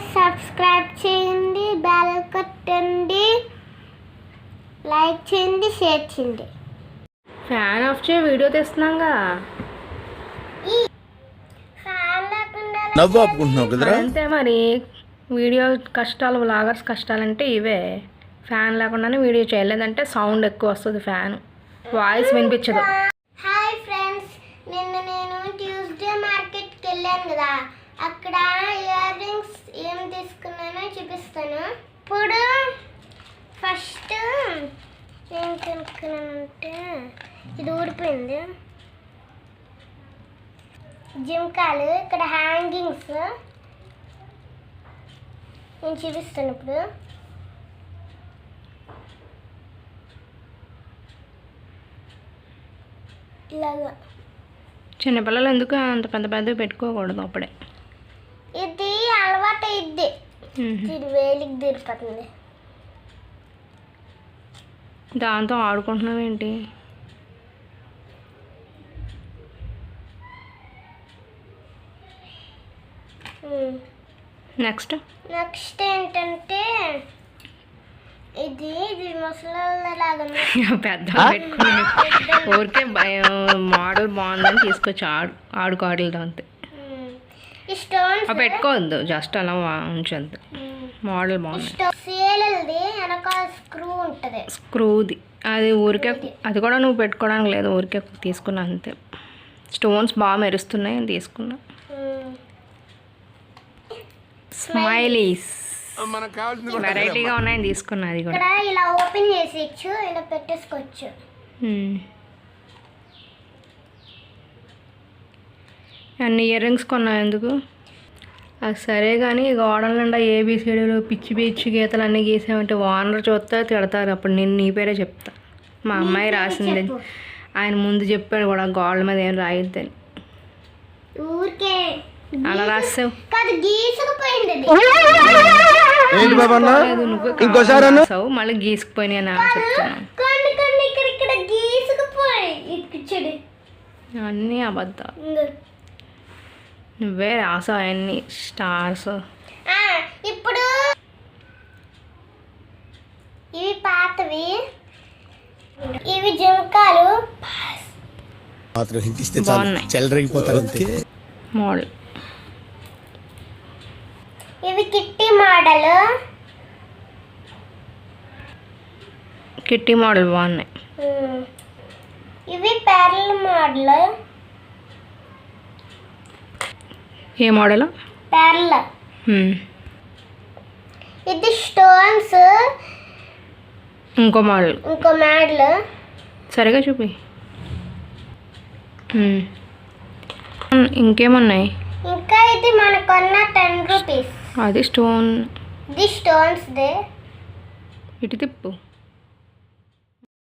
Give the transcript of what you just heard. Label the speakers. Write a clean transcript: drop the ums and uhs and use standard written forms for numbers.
Speaker 1: Subscribe చేయండి, bell కొట్టండి, like చేయండి, షేర్ చేయండి.
Speaker 2: ఫ్యాన్ ఆఫ్ చేయి, వీడియో తీస్తున్నాగా.
Speaker 3: నవ్వు ఆపుకుంటున్నావు కదరా.
Speaker 2: అంతే మరి, వీడియో కష్టాలు, వ్లాగర్స్ కష్టాలంటే ఇవే. ఫ్యాన్ లేకుండానే వీడియో చేయలేదంటే సౌండ్ ఎక్కువ వస్తుంది, ఫ్యాన్ వాయిస్ వినిపించదు.
Speaker 1: హాయ్ ఫ్రెండ్స్, నిన్న నేను ట్యూస్డే మార్కెట్కి వెళ్ళాను కదా, అక్కడ ఇయర్ రింగ్స్ ఏం తీసుకున్నానో చూపిస్తాను. ఇప్పుడు ఫస్ట్ ఏం కొనుక్కున్నానంటే ఇది ఊడిపోయింది. జిమ్కాలు, ఇక్కడ హ్యాంగింగ్స్ నేను చూపిస్తాను. ఇప్పుడు ఇలాగా
Speaker 2: చిన్నపిల్లలు ఎందుకు అంత పెద్ద పెద్దవి పెట్టుకోకూడదు అప్పుడే.
Speaker 1: ఇది అలవాటు అయింది, ఇది వేలికి తీరిపోతుంది.
Speaker 2: దాంతో ఆడుకుంటున్నావు ఏంటి? నెక్స్ట్
Speaker 1: ఏంటంటే ఇది ముసలాగా
Speaker 2: పెద్ద పెట్టుకుని ఊరికే మోడల్ బాగుందని తీసుకొచ్చి ఆడుకోవడం దాంతో పెట్టుకోవద్దు, జస్ట్ అలా ఉంచండి. మోడల్ బాగుంది.
Speaker 1: స్క్రూ ఉంటుంది,
Speaker 2: స్క్రూది అది ఊరికే, అది కూడా నువ్వు పెట్టుకోవడానికి లేదు, ఊరికే తీసుకున్నా అంతే. స్టోన్స్ బాగా మెరుస్తున్నాయి తీసుకున్నా. స్మైలీస్ వెరైటీగా ఉన్నాయని తీసుకున్నా. అది కూడా
Speaker 1: ఇలా ఓపెన్ చేసేయచ్చు, ఇలా పెట్టేసుకోవచ్చు.
Speaker 2: అన్ని ఇయర్ రింగ్స్ కొన్నా ఎందుకు? అది సరే కానీ గోడల నిండా ఏబిసిడీలు పిచ్చి పిచ్చి గీతలు అన్నీ గీసామంటే ఓనర్ చూస్తే తిడతారు. అప్పుడు నేను నీ పేరే చెప్తా. మా అమ్మాయి రాసింది, ఆయన ముందు చెప్పాడు కూడా గోడల మీద ఏం రాయొద్దని. అలా రాసావు, నువ్వు మళ్ళీ గీసుకుపోయినాయి అని చెప్తున్నాను. అన్నీ అబద్ధాలు, నువ్వే రాసావు అన్ని స్టార్స్.
Speaker 1: ఇప్పుడు ఇవి పాతవి, ఇవి జంకాలు
Speaker 2: బాగున్నాయి. మోడల్
Speaker 1: ఇవి కిట్టి మోడల్,
Speaker 2: కిట్టి మోడల్ బాగున్నాయి.
Speaker 1: ఇవి పెరల్ మోడల్.
Speaker 2: ఏ మోడల్?
Speaker 1: పెరల్. ఇది స్టోన్స్.
Speaker 2: ఇంకో మోడల్. సరిగా చూపి. ఇంకేమున్నాయి?
Speaker 1: ఇంకా ఇది మనకున్న 10 రూపీస్.
Speaker 2: అది స్టోన్.
Speaker 1: ఇది స్టోన్స్ దే.
Speaker 2: ఇటు తిప్పు.